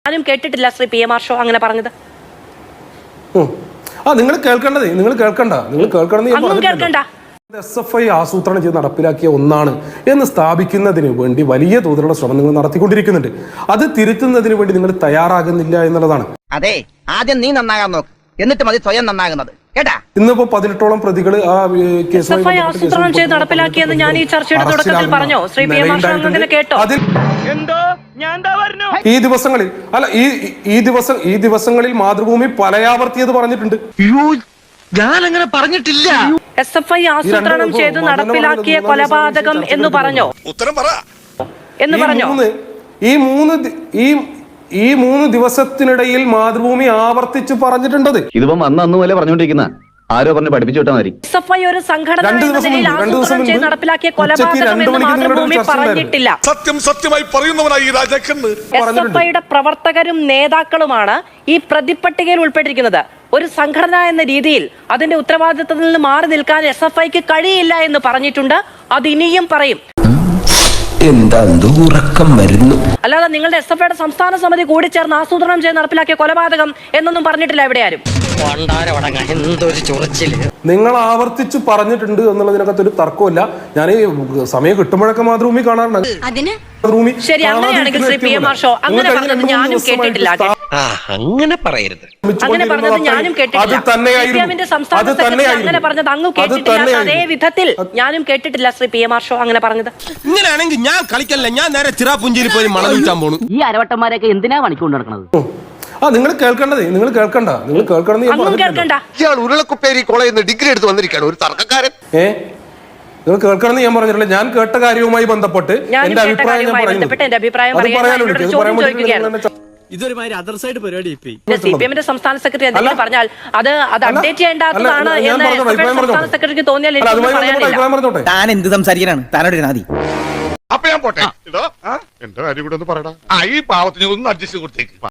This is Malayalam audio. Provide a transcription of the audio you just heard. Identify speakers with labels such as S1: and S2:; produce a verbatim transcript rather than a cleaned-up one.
S1: ഞാനും കേട്ടിട്ടില്ല Shri P M Arsho അങ്ങനെ പറഞ്ഞത്.
S2: ആ നിങ്ങൾ കേൾക്കേണ്ടത് നിങ്ങൾ കേൾക്കണ്ട നിങ്ങൾ കേൾക്കണ്ട എസ് എഫ് ഐ ആസൂത്രണം ചെയ്ത് നടപ്പിലാക്കിയ ഒന്നാണ് എന്ന് സ്ഥാപിക്കുന്നതിന് വേണ്ടി വലിയ തോതിലുള്ള ശ്രമം നിങ്ങൾ നടത്തിക്കൊണ്ടിരിക്കുന്നുണ്ട്. അത് തിരുത്തുന്നതിന് വേണ്ടി നിങ്ങൾ തയ്യാറാകുന്നില്ല എന്നുള്ളതാണ്.
S3: അതെ, ആദ്യം നീ നന്നാകാൻ നോക്ക്, എന്നിട്ട് മതി സ്വയം നന്നാകുന്നത്. കേട്ടാ,
S2: ഇന്നിപ്പോ പതിനെട്ടോളം പ്രതികൾ ആ
S1: കേസുമായി ആസൂത്രണം ചെയ്ത് നടപ്പിലാക്കിയെന്ന് ഞാൻ ഈ ചർച്ചയുടെ തുടക്കത്തിൽ പറഞ്ഞോ? Shri P M Arsho അങ്ങനെ കേട്ടോ?
S2: ഈ ദിവസങ്ങളിൽ അല്ല ഈ ഈ ദിവസം ഈ ദിവസങ്ങളിൽ മാതൃഭൂമി പലയാവർത്തിയത് പറഞ്ഞിട്ടുണ്ട്.
S4: ഞാൻ അങ്ങനെ പറഞ്ഞിട്ടില്ല.
S1: എസ് എഫ് ഐ ആസൂത്രണം ചെയ്ത് നടപ്പിലാക്കിയ കൊലപാതകം എന്ന് പറഞ്ഞോ?
S5: ഉത്തരം പറ
S1: എന്ന് പറഞ്ഞോ?
S2: ഈ മൂന്ന് ഈ ഈ മൂന്ന് ദിവസത്തിനിടയിൽ മാതൃഭൂമി ആവർത്തിച്ച് പറഞ്ഞിട്ടുണ്ടത്.
S6: ഇതിപ്പോ അന്ന് അന്ന് പോലെ പറഞ്ഞുകൊണ്ടിരിക്കുന്ന ആരോ പറഞ്ഞ് പഠിപ്പിച്ചു വിട്ടാൽ മതി.
S1: എസ് എഫ് ഐ ഒരു സംഘടന എന്ന നിലയിൽ ആസൂത്രണം ചെയ്ത് നടപ്പിലാക്കിയ കൊലപാതകം എന്ന് മാതൃഭൂമി പറഞ്ഞിട്ടില്ല.
S5: സത്യം സത്യമായി പറയുന്നവനായി രാജാക്കന്ന്.
S1: എസ് എഫ് ഐയുടെ പ്രവർത്തകരും നേതാക്കളുമാണ് ഈ പ്രതിപ്പട്ടികയിൽ ഉൾപ്പെട്ടിരിക്കുന്നത്. ഒരു സംഘടന എന്ന രീതിയിൽ അതിന്റെ ഉത്തരവാദിത്തത്തിൽ നിന്ന് മാറി നിൽക്കാൻ എസ് എഫ് ഐക്ക് കഴിയില്ല എന്ന് പറഞ്ഞിട്ടുണ്ട്. അത് ഇനിയും പറയും. അല്ലാതെ നിങ്ങളുടെ എസ് എഫ് ഐയുടെ സംസ്ഥാന സമിതി കൂടി ചേർന്ന് ആസൂത്രണം ചെയ്ത് നടപ്പിലാക്കിയ കൊലപാതകം എന്നൊന്നും പറഞ്ഞിട്ടില്ല എവിടെ ആരും.
S2: നിങ്ങൾ ആവർത്തിച്ച് പറഞ്ഞിട്ടുണ്ട് എന്നുള്ളതിനകത്ത് ഒരു തർക്കമില്ല. ഞാൻ സമയം കിട്ടുമ്പോഴൊക്കെ മാതൃഭൂമി കാണാറുണ്ട്.
S1: ശരി, അങ്ങനെയാണെങ്കിൽ Shri P M Arsho അങ്ങനെ പറഞ്ഞത് ഞാനും കേട്ടിട്ടില്ല.
S4: അങ്ങനെ പറയരുത്.
S1: അങ്ങനെ പറഞ്ഞത് ഞാനും കേട്ടിട്ടില്ല. സി പി എമ്മിന്റെ സംസ്ഥാന സെക്രട്ടറി അങ്ങനെ പറഞ്ഞത് അങ്ങ് കേട്ടിട്ടില്ല. അതേ വിധത്തിൽ ഞാനും കേട്ടിട്ടില്ല Shri P M Arsho അങ്ങനെ പറഞ്ഞത്.
S4: ഇങ്ങനെയാണെങ്കിൽ ഞാൻ കളിക്കല്ല, ഞാൻ നേരെ ചിറാപുഞ്ചിയിൽ പോയി മണം വിൽക്കാൻ പോണു.
S3: ഈ അരവട്ടന്മാരൊക്കെ എന്തിനാ പണിക്കൊണ്ട് നടക്കുന്നത്?
S2: ആ നിങ്ങൾ കേൾക്കേണ്ടത് നിങ്ങൾ കേൾക്കണ്ട നിങ്ങൾ കേൾക്കണ്ട.
S5: ഇയാൾ ഉരുളക്കുപ്പേരി കോളേജിൽ നിന്ന് ഡിഗ്രി എടുത്ത് വന്നിരിക്കുകയാണ്, ഒരു തർക്കക്കാരൻ.
S2: ഏ നിങ്ങൾ കേൾക്കണമെന്ന് ഞാൻ പറഞ്ഞിട്ടില്ല. ഞാൻ കേട്ട കാര്യവുമായി ബന്ധപ്പെട്ട് എന്റെ അഭിപ്രായം ഞാൻ പറയുന്നു.
S4: ഇതൊരുമാതിരി അതർ സൈഡ് പരിപാടി.
S1: സി പി എമ്മിന്റെ സംസ്ഥാന സെക്രട്ടറി എന്തെങ്കിലും പറഞ്ഞാൽ അത് അത് അപ്ഡേറ്റ് ചെയ്യേണ്ടതാണ് എന്ന് സംസ്ഥാന സെക്രട്ടറിക്ക് തോന്നിയാൽ
S3: താൻ എന്ത് സംസാരിക്കാനാണ്? താനോട് നാദി.
S5: അപ്പൊ ഞാൻ പോട്ടെ. എന്റെ കാര്യം കൂടെ ഒന്ന് പറയടാ. ഈ പാവത്തിന് ഒന്ന് അഡ്ജസ്റ്റ് കൊടുത്തേക്ക്.